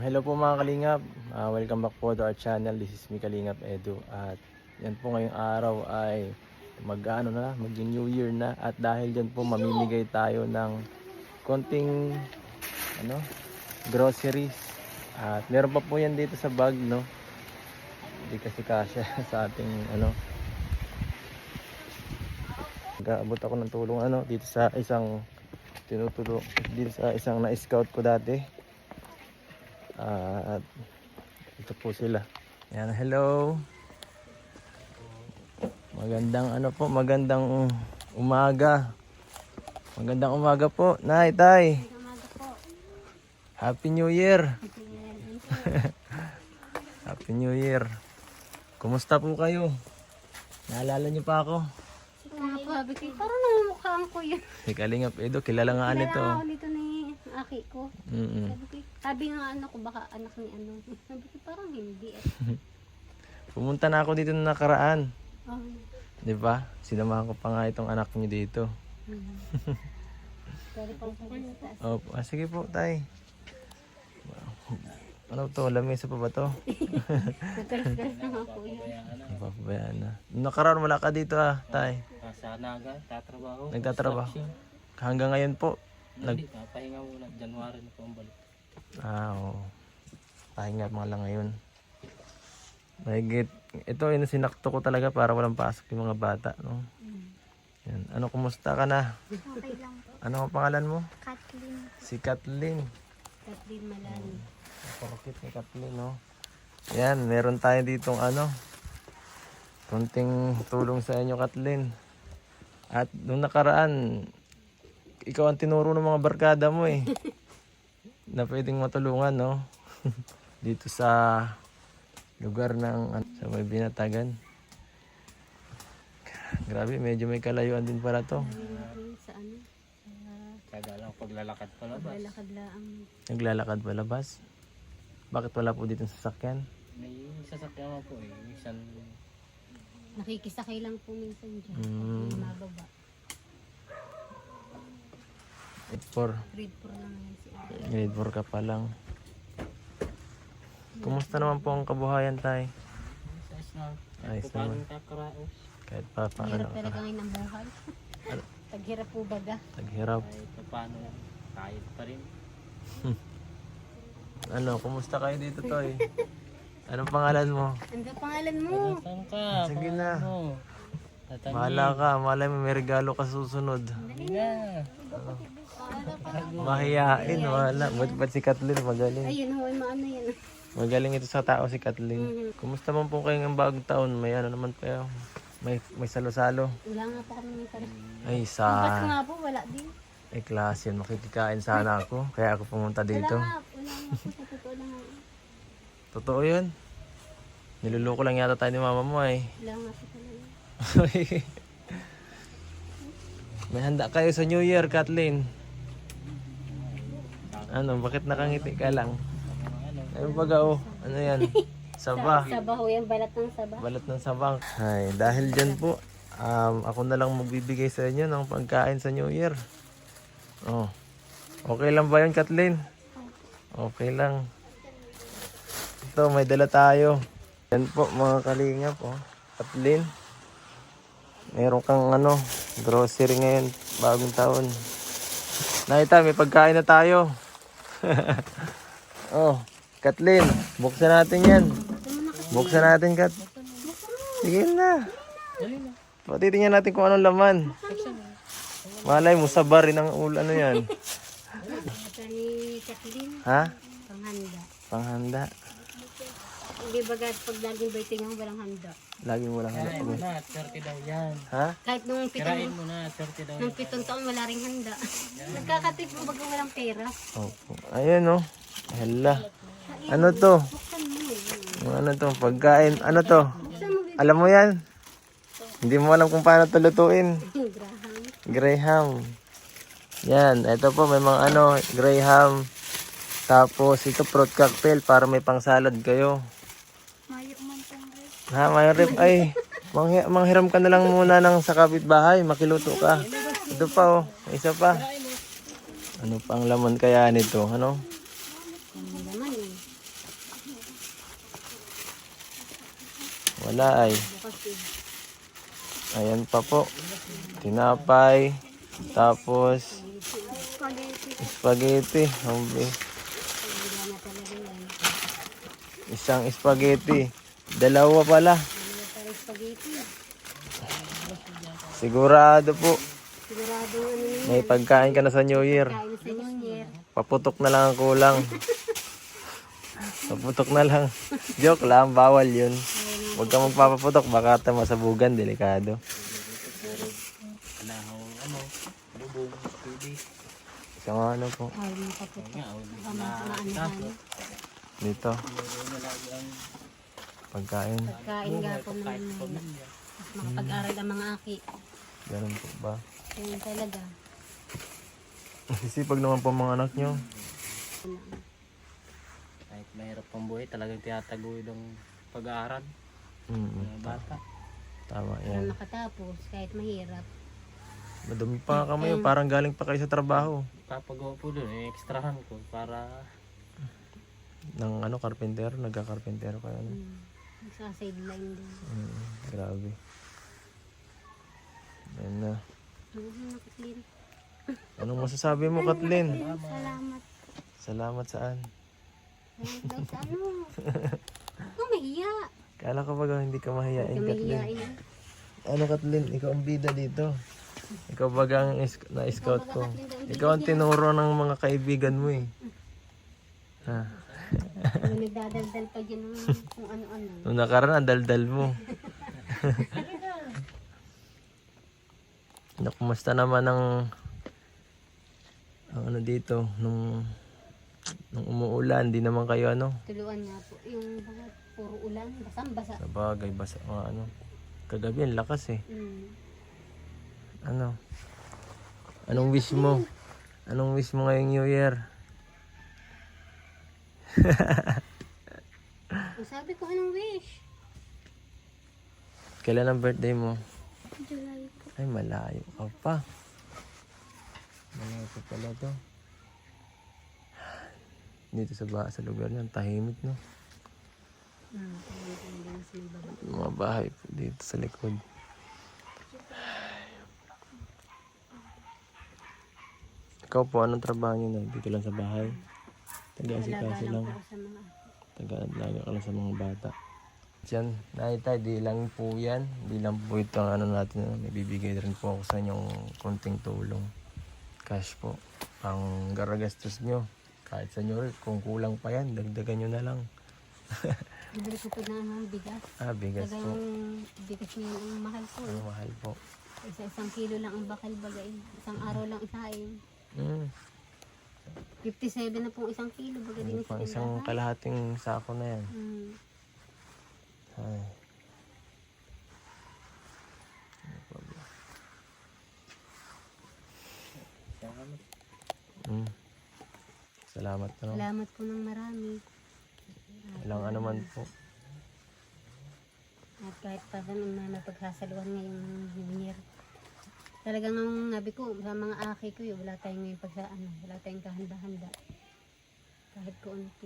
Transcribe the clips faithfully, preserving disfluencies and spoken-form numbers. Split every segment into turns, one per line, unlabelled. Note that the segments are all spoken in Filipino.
Hello po mga Kalingap, uh, welcome back po to our channel. This is me Kalingap Edu. At yan po ngayong araw ay mag-ano na, mag-New Year na. At dahil dyan po mamimigay tayo ng konting ano, groceries. At meron pa po yan dito sa bag, no? Hindi kasi kasya sa ating ano. Nag-aabot ako ng tulong ano dito sa isang tinutulong dito sa isang na-scout ko dati. Uh, at ito po sila. Yan, hello. Magandang ano po, magandang umaga. Magandang umaga po, Nay, Tay. Happy New Year. Happy New Year. Kumusta po kayo? Naalala niyo pa ako?
Sabi ko, parang namumukhaan ko yun.
Si Kalingap Edo, kilala nga nito.
Kilala ako nito ni aki ko.
Mm -mm.
Sabi ko, sabi nga ano ko, baka anak ni ano. Sabi ko, parang hindi. Eh.
Pumunta na ako dito na nakaraan.
Oh.
Di ba? Sinamahan ko pa nga itong anak niyo dito.
Hmm. Pero pang sa taas.
Opo, ah, sige po, Tay. Ano to? Lamesa pa ba to?
Nagkaras-karas na nga po yun.
Papabayaan na. Nung nakaraan wala ka dito ah, Tay.
Sa Naga, tatrabaho.
Nagtatrabaho. Hanggang ngayon po. Nag...
Hindi, pahinga muna. January na po ang balik.
Ah, oo. Pahinga mga lang ngayon. Mahigit. Ito yung sinakto ko talaga para walang pasok yung mga bata, no? Yan. Ano, kumusta ka na?
Okay lang po.
Ano ang pangalan mo?
Kathleen.
Si Kathleen.
Kathleen Malani.
Porkit ni Kathleen, no? Yan, meron tayo ditong ano, kunting tulong sa inyo, Kathleen. At nung nakaraan, ikaw ang tinuro ng mga barkada mo eh. Na pwedeng matulungan, no? Dito sa lugar ng sa may Binatagan. Grabe, medyo may kalayuan din pala to.
Sa ano?
Kaya lang paglalakad palabas.
Lalakad lang.
Naglalakad palabas. Bakit wala po dito sa sasakyan?
May sasakyan mo po eh. Minsan,
Nakikisakay lang po minsan dyan.
Mm.
May mababa.
Grade four.
Grade four lang yan si Ate.
Grade four ka pa lang. Kumusta naman po ang kabuhayan, Tay?
ayos na.
Ayos
Kung paano
naman.
kakaraos.
Kahit pa paano.
Hirap talaga ngayon ang buhay. Taghirap po baga.
Taghirap.
Kahit paano, kahit pa rin.
Ano, kumusta kayo dito, Toy? Anong pangalan mo?
Ano ba pangalan mo?
Saan ka?
Sige
Pangalan
na.
mo? Tatangin.
Bahala ka. Malay mo may regalo ka susunod.
Hindi na.
Mahiyain. Wala. Ba't ba't si Kathleen? Magaling.
Ayun, huwag maano yan.
Magaling ito sa tao si Kathleen. Kumusta man po kayo ng bagong taon? May ano naman pa yun? May, may salo-salo.
Wala nga po kami ng tara.
Ay,
Ba't
sa...
nga po, wala din.
Ay, klase yun. Makikikain sana ako. Kaya ako pumunta dito.
Wala nga, wala nga po, sa totoo lang nga.
Totoo yun. Niluloko lang yata tayo ni mama mo eh.
Wala nga po talaga.
May handa kayo sa New Year, Kathleen. Ano, bakit nakangiti ka lang? Ayun baga oh, ano yan? Saba.
Saba ho yan, balat ng saba.
Balat ng sabang. Ay, dahil dyan po, um, ako na lang magbibigay sa inyo ng pagkain sa New Year. Oh. Okay lang ba yun, Kathleen? Okay lang. Ito, may dala tayo. Yan po, mga kalingap, oh. Kathleen. Meron kang ano, grocery ngayon, bagong taon. Nakita, may pagkain na tayo. Oh, Kathleen, buksan natin yan. Buksan natin, Kat. Sige na. Patitingnan natin kung anong laman. Malay mo, saba rin ang ulo. Ano yan?
Ito ni Kathleen,
Ha?
panghanda.
Panghanda.
Hindi bagat pag laging birthday nga walang handa.
Laging walang handa.
Kirain mo na, thirty daw yan.
Ha?
Kahit nung
Kirain
pitong,
mo na, thirty daw
nung
yan.
pitong taon wala ring handa. Nagkakatip mo baga walang pera.
Opo. Ayun, oh. Hala. Ano to?
Buksan mo eh.
Ano to? Pagkain. Ano to?
Buksan mo, baby.
Alam mo yan? Hindi mo alam kung paano to lutuin.
Graham.
Graham. Yan. Ito po, may mga ano, Graham. Tapos, ito fruit cocktail para may pang salad kayo.
Mayo man pang rin.
Ha, may rip. Ay, manghi manghiram ka na lang muna ng sa kapitbahay. Makiluto ka. Ito pa, oh. May isa pa. Ano pang laman kaya nito? Ano?
Ang laman eh.
Wala ay.
Bukas eh.
Ayan pa po. Tinapay. Tapos
Spaghetti.
spaghetti. Hombre.
Wala na talaga yan.
Isang spaghetti. Dalawa pala.
Wala tayo spaghetti.
Sigurado po.
Sigurado ano yun.
May pagkain ka na sa New Year.
Kain sa New Year.
Paputok na lang ang kulang. Paputok na lang. Joke lang, bawal yun. Huwag ka magpapaputok, baka ito masabugan, delikado.
Wala akong ano, bubong, pwede.
Isang ano po,
Ay, makaputok.
Nga, oh,
Baka
na
maano
dito,
meron na lang ang
pagkain.
Pagkain gapon
kahit
naman.
pamilya.
Mas makapag-aral ang mga aki.
Ganun po ba?
Kaya talaga.
Sisipag naman po ang mga anak nyo.
Kahit mahirap pang buhay, talagang tinataguyod ang pag-aaral
Mm,
ng mga bata.
tama
Para
yan.
makatapos kahit mahirap.
Madumi pa nga kami, parang galing pa kayo sa trabaho.
Papagawa po doon, eh, extrahan ko para
Ng ano, karpentero, nagka-karpentero kayo. Ano?
Hmm. Sa sideline din.
Mm, grabe. Yan na.
Mhm, nakaklin.
Anong masasabi mo, Kathleen?
Salamat.
Salamat saan?
Salamat daw sa ano. Ikaw mahiya.
Kala ko baga hindi ka mahihain,
Ikaw
Kathleen.
mahiyain.
Ano, Kathleen? Ikaw ang bida dito. Ikaw baga ang is- na-scout ko. Ikaw ang tinuro ng mga kaibigan mo eh. Ha?
Ano, nagdadaldal pa dyan ng kung ano-ano.
Nung nakaraan, ang daldal mo. Ano, kumusta naman ang ang ano dito nung nung umuulan, di naman kayo ano
Tuluan nga po. Yung mga puro ulan. Basang-basa.
sa bagay basta mga ano kagabi ang lakas eh.
Hmm.
Ano anong wish mo anong wish mo ngayong New Year?
Ang sabi ko, anong wish?
Kailan ang birthday mo?
July po.
Ay, malayo ka pa. Malayo pa pala to. Dito sa ba sa lugar niyan, tahimik no.
Hmm. Talagang sa may baba.
Yung mga bahay po dito sa likod. Ikaw po, anong trabaho niyo na? Dito lang sa bahay? Taga-asikaso
Alaga
lang.
lang po sa mga
Taga-alaga ka lang sa mga bata. Diyan, nakita, di lang po yan. Di lang po ito ang ano natin. Ano, may bibigay rin po ako sa inyong konting tulong. Cash po. Pang garagastos nyo. Kahit sa inyo, kung kulang pa yan, dagdagan nyo na lang.
bibili ko po ng mga bigas.
Ah, bigas po.
Talagang bigas niya ang mahal po.
Ano mahal po.
Isa-isang kilo lang ang bakal bagay. Isang araw lang isahin.
Hmm.
fifty-seven na pong isang kilo bagay din
Pang
sa
isang
tindahan.
kalahating sako na yan.
Hmm.
Ay. Hmm. Salamat po. No?
Salamat po ng marami.
Walang ano man po.
At kahit pa sa nung na pagsasaluhan ngayong New Year. Talagang ang nabi ko sa mga aki ko, yun, wala tayong ngayon pagsa ano, wala tayong kahanda-handa. Kahit kaunti.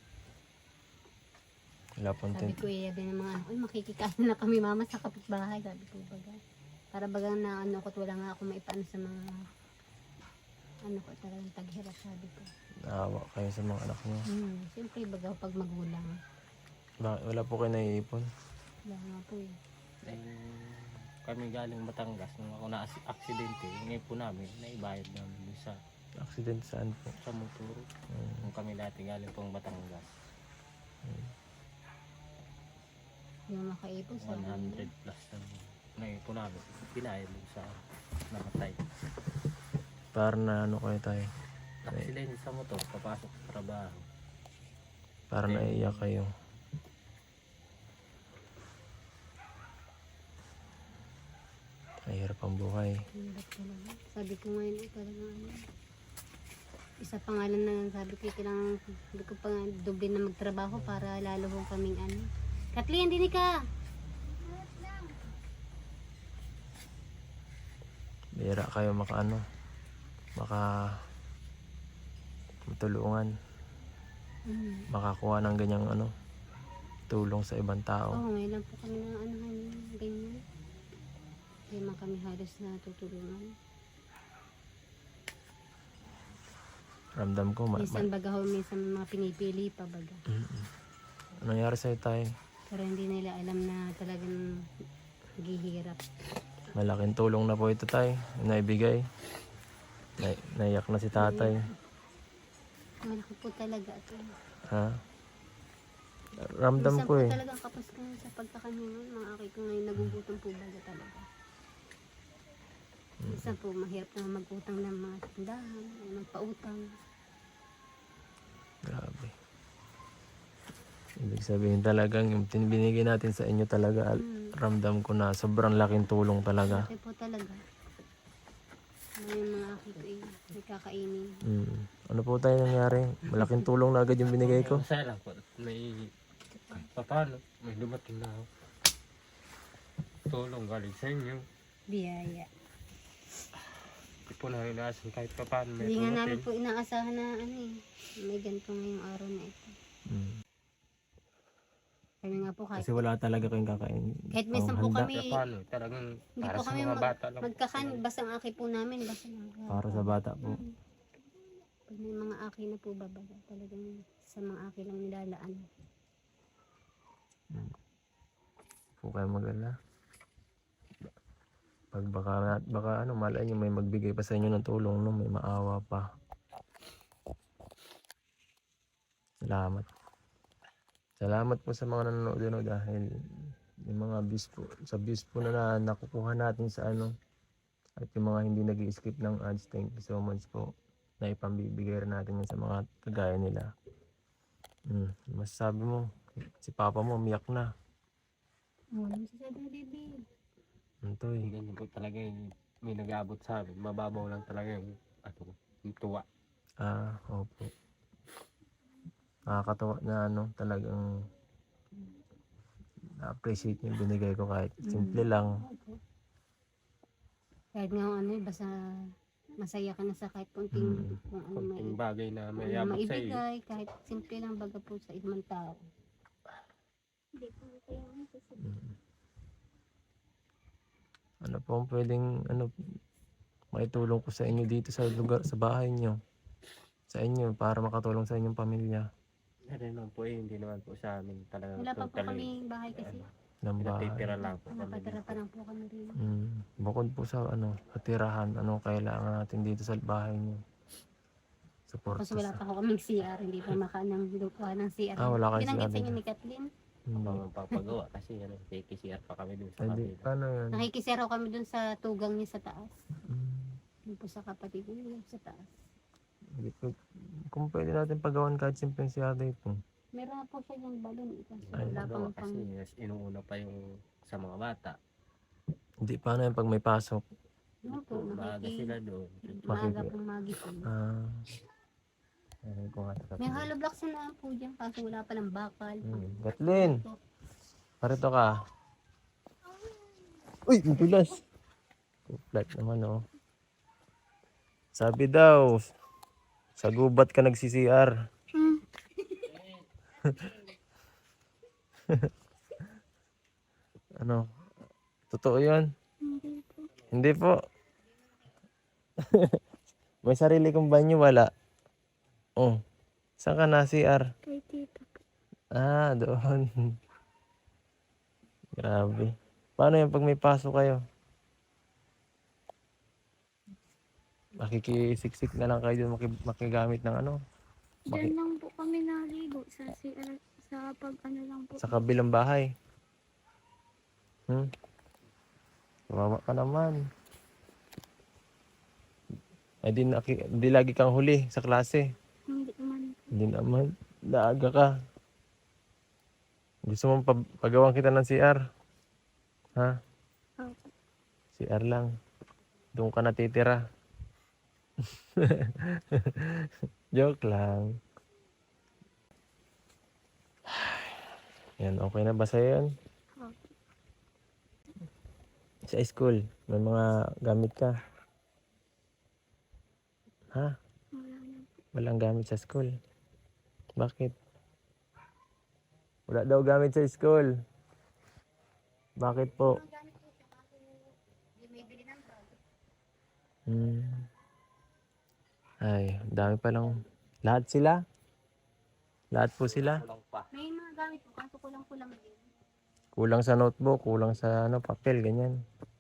Wala pong
Sabi
tent.
ko, iya din ng mga anak, uy, makikikain na kami mama sa kapitbahay. Sabi ko, baga. Para bagang na ano ko, wala nga ako maipaano sa mga ano ko, talagang taghirap, sabi ko.
Naawa kayo sa mga anak niyo.
Hmm, siyempre, baga pag magulang.
Ba- Wala po kayo naiipon.
Wala nga po eh.
Eh, kami galing Batangas, nung ako na-aksidente, ngayon po namin, naibayad namin dun sa,
Accident saan po?
sa motor. Nung kami dati galing pong Batangas,
Hindi mo makaipon sa
one hundred plus na ngayon po namin, pinayad dun sa namatay.
Para na ano kayo tayo.
Aksidente sa motor, papasok sa trabaho.
Para naiiyak kayo. Mahirap ang buhay.
Hirap talaga. Sabi ko ngayon, eh, talagang ano. Isa pa nga lang na sabi ko, kailangan, sabi ko pa nga, doble na magtrabaho para lalo kong kaming ano. Kathleen, dinig ka!
Bira kayo maka ano. Maka matulungan.
Mm.
Makakuha ng ganyang ano. tulong sa ibang tao.
Oo, ngayon lang po kami na ano, ganyan. Hindi man kami halos natutulungan.
Ramdam ko, ma-
Minsan baga ho, minsan mga pinipili pa baga.
Mm. Ano nangyari sa'yo tayo?
Pero hindi nila alam na talagang naghihirap.
Malaking tulong na po ito tayo, naibigay. Na naiyak na si tatay.
Malaki po talaga ito.
Ha? Ramdam
Minsan
ko
po
eh.
talagang kapos ka sa pagkakanyangan. Mga aki ko ngayon nagugutom po baga talaga. Minsan po mahirap na mag-utang ng mga tindahan, magpautang.
Grabe. Ibig sabihin talagang yung tin- binigay natin sa inyo talaga, al-
Mm.
ramdam ko na sobrang laking tulong talaga.
Malaki po talaga. Ngayon mga aki ko eh, may kakainin.
Mm. Ano po tayo nangyari? Malaking tulong na agad yung binigay ko.
Masaya lang po. May kahit pa paano, may dumating na tulong galing sa inyo.
Biyaya.
Hindi po na inaasan kahit pa paano may
Hindi nga namin
dumating.
po inaasahan na ano eh, may ganito ngayong araw na ito.
Mm.
Kami nga po kahit,
Kasi wala talaga kayong kakain.
kahit minsan po
Panghanda.
kami,
Kahit pa paano, talagang
hindi
para
po
sa
kami
mga
mag,
bata lang.
magkakan, basta ang aki po namin, basta lang.
Para sa bata po.
Pag may mga aki na po babaga, talagang sa mga aki lang nilalaan.
Po kayo magala. Pag baka, baka ano, malay nyo may magbigay pa sa inyo ng tulong, no? May maawa pa. Salamat. Salamat po sa mga nanonood no, dahil yung mga views po, sa views po na, na nakukuha natin sa ano, at yung mga hindi nag-skip ng ads, thank you so much po na ipambibigay rin natin yan sa mga kagaya nila. Hmm. Masasabi mo, si Papa mo umiyak na.
Oo, ano masasabi na baby?
Ito eh.
Ganyan po talaga yung may nag-aabot sa amin. Mababaw lang talaga yung, ano, yung tuwa.
Ah, opo. Nakakatawa na ano, talagang na-appreciate yung binigay ko kahit simple lang.
Kahit nga ano eh, basta masaya ka na sa kahit kunting
Mm.
kung ano may,
Konting bagay na may
ano
abot sa iyo.
maibigay, kahit simple lang baga po sa ibang tao.
Mm. Ano po ang pwedeng ano maitulong ko sa inyo dito sa lugar, sa bahay nyo, sa inyo para makatulong sa inyong pamilya
Ano naman po eh, hindi naman po sa amin talaga.
Wala pa po
totally,
kami bahay kasi.
ng bahay.
Natitira lang po kami.
Napatira pa lang po kami rin.
Mm. Bukod po sa ano, katirahan, ano kailangan natin dito sa bahay nyo? Support
Tapos wala pa ako kaming C R, hindi pa makanang lupa ng C R.
Ah, wala kayong
Binanggit
C R
sa inyo
dito.
ni Kathleen.
Hindi.
Mga magpapagawa kasi ano, K K C R pa kami dun sa
Ay, di,
kabila.
paano yan?
Nakikisero kami dun sa tugang niya sa taas.
Mm.
Dun po sa kapatid niya sa taas.
Hindi po, kung pwede natin pagawan kahit simpleng C R dito.
Meron na po siya yung balon. Kasi
Ay,
wala
Magawa
pang pang...
kasi yes, inuuna pa yung sa mga bata.
Hindi, paano yan pag may pasok?
Ano po,
Maaga
nakiki...
sila doon.
Maaga
Makiki-
pong magising.
Ah. Ayun ko nga sa
May hollow blocks na po dyan kaso wala pa ng bakal.
Hmm. Kathleen, parito ka. Uy, madulas. Flat naman oh. Sabi daw, sa gubat ka nagsi-C R. Ano? Totoo yun? Hindi po. May sarili kong banyo, wala. Oh. Saan ka na, C R?
Kay tita.
Ah, doon. Grabe. Paano yung pag may pasok kayo? Makikisiksik na lang kayo doon, maki- makigamit ng ano? Maki-
Diyan lang po kami naligo sa C R, sa pag ano lang po.
sa kabilang bahay. Hmm? Kawawa ka naman. Ay, di, naki- di lagi kang huli sa klase.
Hindi man.
Hindi naman. Naaga ka. Gusto mong pag- pagawan kita ng C R? Ha?
Opo.
C R lang. Doon ka natitira. Joke lang. Yan, okay na ba sa'yo yan?
Opo.
Sa school, may mga gamit ka. Ha?
Wala na.
Walang gamit sa school. Bakit? Wala daw gamit sa school. Bakit po? Hmm. Ay, dami pa lang. Lahat sila? Lahat po sila?
Kulang pa.
May mga gamit po, kaso kulang-kulang din.
Kulang sa notebook, kulang sa ano, papel, ganyan.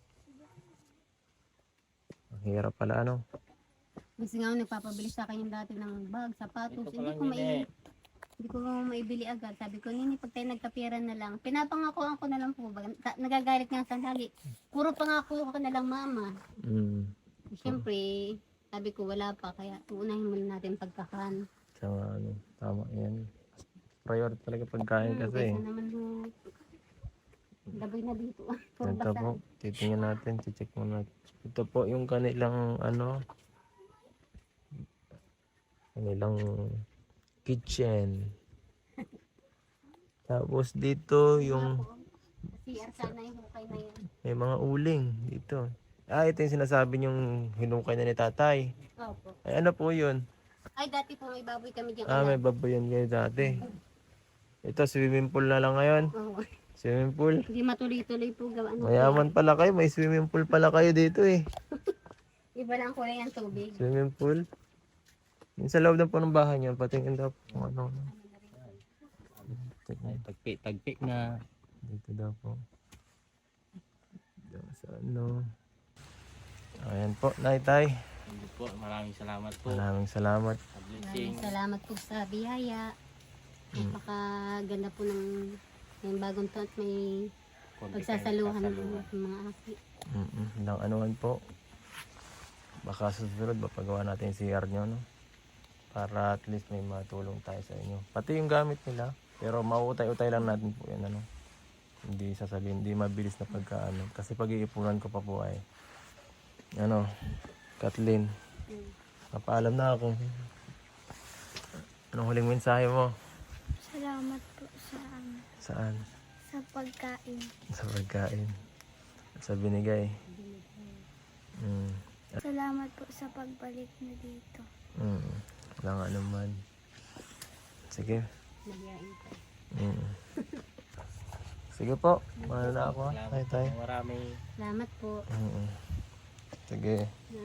Ang hirap pala ano.
Kasi nga nagpapabili sa akin yung dati ng bag, sapatos.
Ito pa
Hindi
lang
ko
yun
mai
eh.
hindi ko maibili agad. Sabi ko, nini, pag tayo nagkapira na lang, pinapangako ako na lang po. Ba? Ta- nagagalit nga sa lagi. Puro pangako ako na lang, mama.
Hmm.
Siyempre, sabi ko, wala pa. Kaya unahin muna natin pagkakan.
Tama, ano, tama yan. Priority talaga pagkain
Hmm,
kasi.
kaysa naman ho, laboy na dito. Puro
Ito
basa.
po, titingnan natin, check muna. Ito po yung kanilang ano, kanilang kitchen. Tapos dito yung
C R sana yung hukay na yan.
may mga uling dito. Ah, ito yung sinasabi yung hinukay na ni tatay.
Opo.
Ay, ano po yun?
Ay, dati po may baboy kami dyan.
Ah, may baboy yan kayo dati. Ito, swimming pool na lang ngayon.
Oo.
Swimming pool.
Hindi matuloy-tuloy po gawa. Ano,
Mayaman pala kayo, may swimming pool pala kayo dito eh.
iba lang kulay ng tubig.
Swimming pool. Yung sa loob na po ng bahay niyo, patingin daw po kung ano.
Ay, tagpi, tagpi na.
Dito daw po. Dito sa ano. Ayan po, Naitay.
Hindi po, maraming salamat po.
Maraming salamat.
Sa blessing.
Maraming salamat po sa biyaya. Napakaganda po ng, ng bagong taon at may
Konti
pagsasaluhan
kayong
ng
sasaluhan.
mga aki.
Mm-mm. Lang anuman po. Baka sa susunod, mapagawa natin yung C R nyo, no? Para at least may matulong tayo sa inyo. Pati yung gamit nila. Pero mauutay-utay lang natin po yan, ano? Hindi sasabihin, hindi mabilis na pagkaano. Kasi pag-iipunan ko pa po ay, ano, Kathleen, napaalam na ako. Anong huling mensahe mo?
Salamat po sa ano,
Saan?
sa pagkain.
Sa pagkain. At sa binigay. Mm.
Salamat po sa pagbalik na dito.
Mm. Wala nga naman. Sige.
Nagyain ko.
Mm. Sige po. Mahal na ako. ha?
Salamat
Tay, tay.
po. Maraming
Salamat po.
Mm. Sige.
Na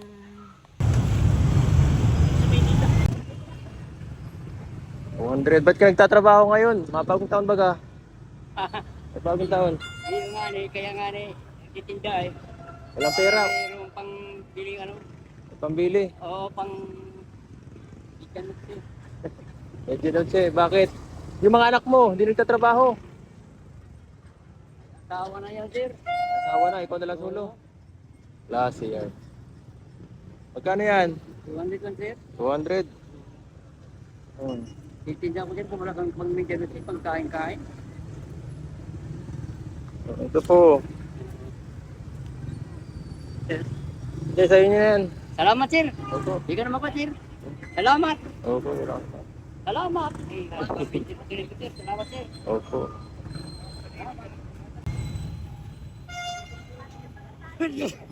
one hundred. Ba't ka nagtatrabaho ngayon? Mapagong taon ba ka? Mapagong taon.
Ayun nga ni, kaya nga ni, titinda eh.
Walang pera.
Mayroong pang biling ano,
Pambili.
oo, pang ikan eh.
Medyo daw siya. Bakit? Yung mga anak mo, hindi nagtatrabaho.
Tawa na yan, sir.
Asawa na, ikaw na lang solo. Last year. Magkano yan?
two hundred lang, sir.
two hundred. Hmm.
Titinda ko dyan kung wala kang pang maintenance, eh, pang kain-kain.
Ito po. Hindi, sa inyo yan.
Salamat, sir.
Opo.
Di ka naman pa, sir. Salamat.
Opo, wala ka.
Salamat. Eh, sir. Salamat, sir.
Opo.